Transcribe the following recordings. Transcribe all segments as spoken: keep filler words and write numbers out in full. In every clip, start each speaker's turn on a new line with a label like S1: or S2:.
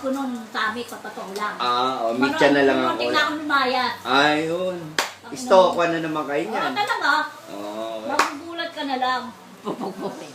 S1: ko nun sa amin, patotoo lang.
S2: Ah, o, mitya na lang ako.
S1: Muntik na ako lumayas.
S2: Ayun. Stalk na naman kayo
S1: Oo,
S2: niyan.
S1: talaga.
S2: Oo.
S1: Magugulat ka na lang.
S3: Pupukpukin.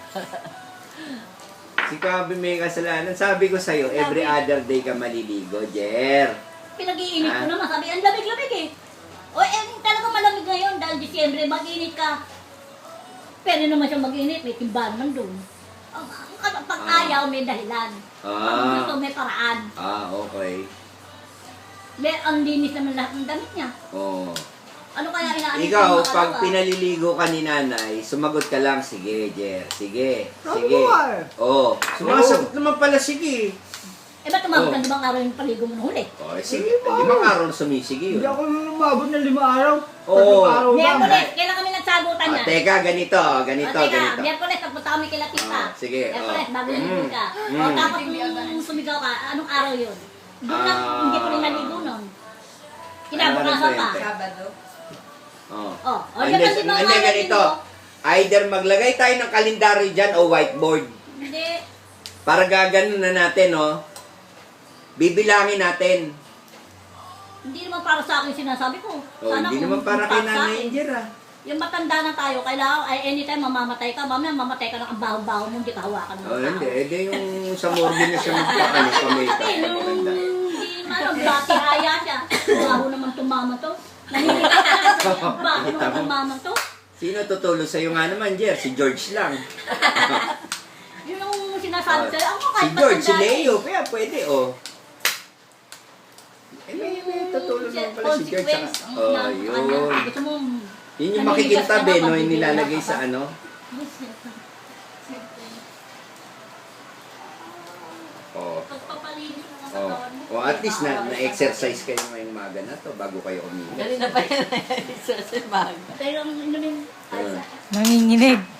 S2: Si Kabi may kasalanan. Sabi ko sa'yo, every other day ka maliligo, Jer.
S1: Pinag-iinit ko
S2: Ah.
S1: naman, sabi, ang lamig-lamig eh. O eh, talaga malamig ngayon dahil Disyembre, mag-init ka. Pwede naman siya mag-init, may timbahan man doon. Ang ang- pag
S2: Ah.
S1: ayaw, may dahilan. Pag
S2: Ah.
S1: gusto, may paraan.
S2: Ah, okay.
S1: May, ang linis naman lahat ng damit niya.
S2: Oo.
S1: Ano kaya inaanit
S2: Ikaw,
S1: ng mga
S2: pag
S1: kalawa?
S2: pinaliligo ka ni nanay, sumagot ka lang, sige, Jer. Sige.
S4: Sabi
S2: Sige.
S4: ko nga eh.
S2: Oo. Sumasagot naman pala, sige.
S1: Eh, ba't umabot
S2: Oh.
S1: ng limang araw yung paligo mo nung huli?
S2: Oh, sige. Limang araw na sumisige
S4: Hindi
S2: yun.
S4: ako lumabot ng lima araw.
S2: Oo.
S4: Tatlong araw lang.
S1: Miyerkules, kailan kami nagsagutan
S2: Ah,
S1: niya?
S2: teka, ganito, ganito,
S1: o, teka,
S2: ganito.
S1: Miyerkules, nagpunta kami kila tita.
S2: Ah, sige,
S1: Miyerkules,
S2: oh.
S1: bago
S2: Mm,
S1: naligo ka.
S2: mm.
S1: O, tapos nung sumigaw ka, anong araw yun? Doon na,
S2: Ah.
S1: hindi ko rin naligo nun.
S2: Ano
S1: Kinabukasan
S2: na
S1: pa.
S2: kwente?
S3: Sabado.
S2: Oh.
S1: Oh, o,
S2: Hindi,
S1: yan kasi mga
S2: hindi,
S1: natin
S2: ganito.
S1: mo.
S2: Either maglagay tayo ng kalendaryo dyan o whiteboard.
S1: Hindi.
S2: Para gaganon na natin, oh. Bibilangin natin.
S1: Hindi naman para sa akin sinasabi ko.
S2: Oh,
S1: Sana
S2: hindi
S1: kung
S2: naman para kay
S1: sa
S2: Nanay
S1: akin.
S2: Angel, ah.
S1: Yung matanda na tayo, kailangan, ay anytime mamamatay ka, mamaya mamamatay ka ng ang baho-baho mo, hindi ka hawakan ng
S2: Oh,
S1: tao.
S2: hindi. Eh, di yung sa morgue na siya magpakano pa may
S1: Kasi yung,
S2: maganda.
S1: hindi naman, bati haya siya. Baho naman tumama to. Naninigas ka na, baho naman tumama to.
S2: Sino tutulong sa'yo nga naman, Jer? Si George lang.
S1: Yun yung sinasabi sa'yo, ako
S2: Si
S1: kahit
S2: George, si
S1: matanda
S2: Leo, kaya pwede, oh. Eh, may, may tutulong naman pala si George.
S1: consequence
S2: Sa,
S1: ng-
S2: oh,
S1: ng-
S2: yun.
S1: ano, gusto mo,
S2: Yun yung
S1: naninigas ka
S2: makikintabi,
S1: na,
S2: no? Yung
S1: pabibigyan
S2: nilalagay
S1: ka
S2: sa
S1: pa.
S2: ano. Oh.
S1: Pagpapalinis mo ng
S2: Oh.
S1: katawan mo.
S2: Oh, at least na, na-exercise kayo ngayong maga na to bago kayo umigas.
S3: Ganun na pa yan. Sa simbahan.
S1: Pero ang inumin,
S2: Ah.
S5: Nanginginig.